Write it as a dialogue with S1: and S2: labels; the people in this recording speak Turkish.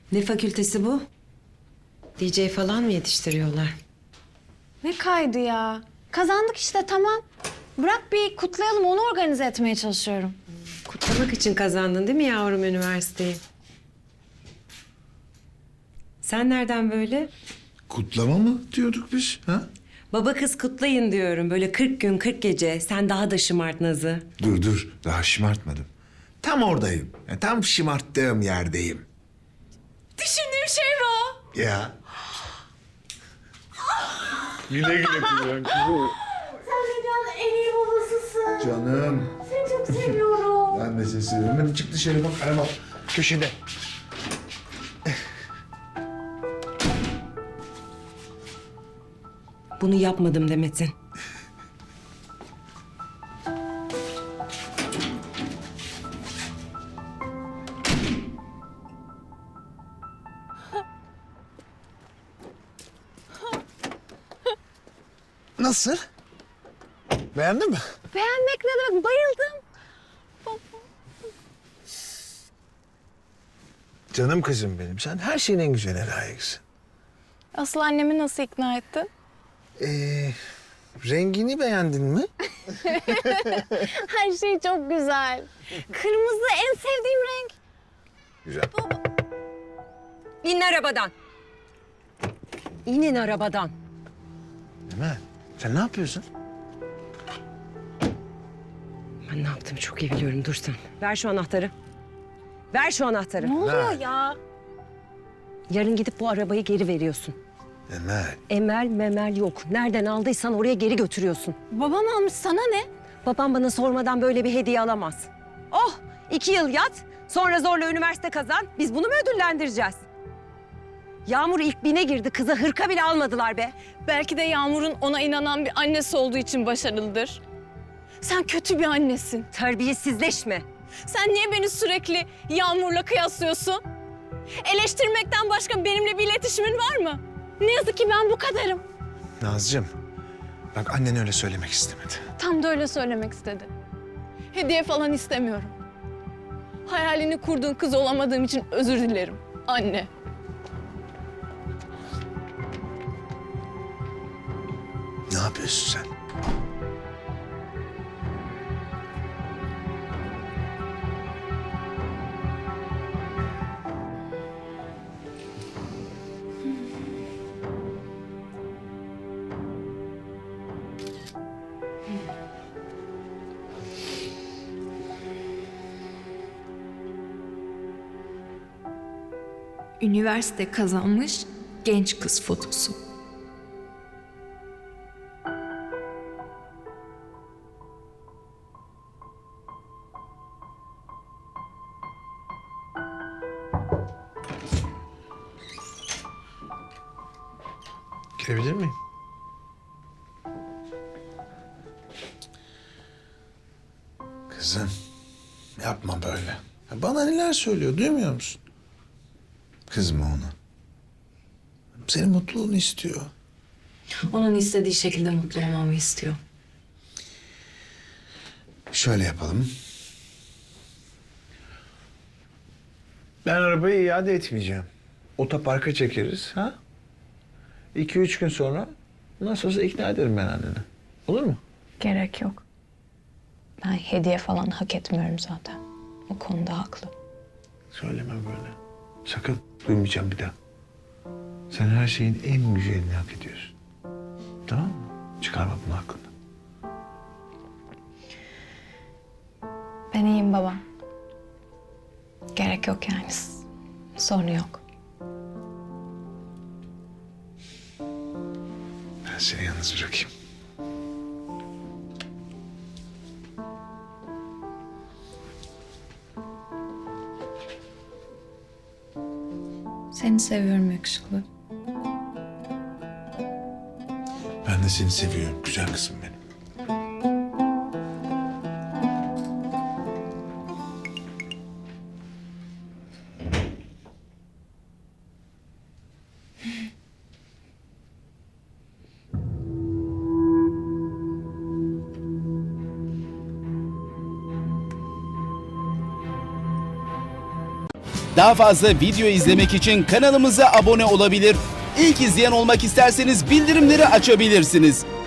S1: Ne fakültesi bu? DJ falan mı yetiştiriyorlar?
S2: Ne kaydı ya? Kazandık işte, tamam. Bırak bir kutlayalım, onu organize etmeye çalışıyorum.
S1: Kutlamak için kazandın değil mi yavrum üniversiteyi? Sen nereden böyle?
S3: Kutlama mı diyorduk biz? Ha?
S1: Baba kız kutlayın diyorum. Böyle 40 gün 40 gece. Sen daha da şımart Naz'ı.
S3: Dur. Daha şımartmadım. Tam oradayım. Tam şımarttığım yerdeyim.
S2: Düşündüğüm şey bu.
S3: Ya. Güle güle kuzen kızım.
S2: Sen dünyanın en iyi babasısın.
S3: Canım.
S2: Seni çok seviyorum.
S3: Ben de seni seviyorum. Hadi çık dışarı bak. Araba köşede.
S1: Bunu yapmadım Demet'in.
S3: Nasıl? Beğendin mi?
S2: Beğenmek ne demek? Bayıldım.
S3: Canım kızım benim. Sen her şeyin en güzeline layıksın.
S2: Asıl annemi nasıl ikna ettin?
S3: Rengini beğendin mi?
S2: Her şey çok güzel. Kırmızı en sevdiğim renk.
S3: Güzel.
S1: İn arabadan. İnin arabadan.
S3: Emel, sen ne yapıyorsun?
S1: Ben ne yaptığımı çok iyi biliyorum. Dur sen. Ver şu anahtarı. Ver şu anahtarı.
S2: Ne oluyor
S3: Ver.
S2: ya?
S1: Yarın gidip bu arabayı geri veriyorsun.
S3: Emel.
S1: Emel memel yok. Nereden aldıysan oraya geri götürüyorsun.
S2: Babam almış, sana ne?
S1: Babam bana sormadan böyle bir hediye alamaz. Oh! 2 yıl yat, sonra zorla üniversite kazan. Biz bunu mu ödüllendireceğiz? Yağmur ilk bine girdi. Kıza hırka bile almadılar be.
S4: Belki de Yağmur'un ona inanan bir annesi olduğu için başarılıdır. Sen kötü bir annesin.
S1: Terbiyesizleşme.
S4: Sen niye beni sürekli Yağmur'la kıyaslıyorsun? Eleştirmekten başka benimle bir iletişimin var mı? Ne yazık ki ben bu kadarım.
S3: Nazcığım, bak annen öyle söylemek istemedi.
S4: Tam da öyle söylemek istedi. Hediye falan istemiyorum. Hayalini kurduğun kız olamadığım için özür dilerim. Anne.
S3: Ne yapıyorsun sen?
S5: Üniversite kazanmış genç kız fotosu.
S3: Girebilir miyim? Kızım, yapma böyle. Ya bana neler söylüyor, duymuyor musun? Kızma ona. Senin mutluluğunu istiyor.
S5: Onun istediği şekilde mutlu olmamı istiyor.
S3: Şöyle yapalım. Ben arabayı iade etmeyeceğim. Otoparka çekeriz, ha? 2-3 gün sonra nasıl olsa ikna ederim ben anneni. Olur mu?
S4: Gerek yok. Ben hediye falan hak etmiyorum zaten. O konuda haklı.
S3: Söyleme böyle. Sakın duymayacağım bir daha. Sen her şeyin en güzelini hak ediyorsun. Tamam mı? Çıkarma bunu aklından.
S4: Ben iyiyim baba. Gerek yok yani. Sorun yok.
S3: Ben seni yalnız bırakayım.
S4: Seni seviyorum yakışıklı.
S3: Ben de seni seviyorum güzel kızım benim.
S6: Daha fazla video izlemek için kanalımıza abone olabilir. İlk izleyen olmak isterseniz bildirimleri açabilirsiniz.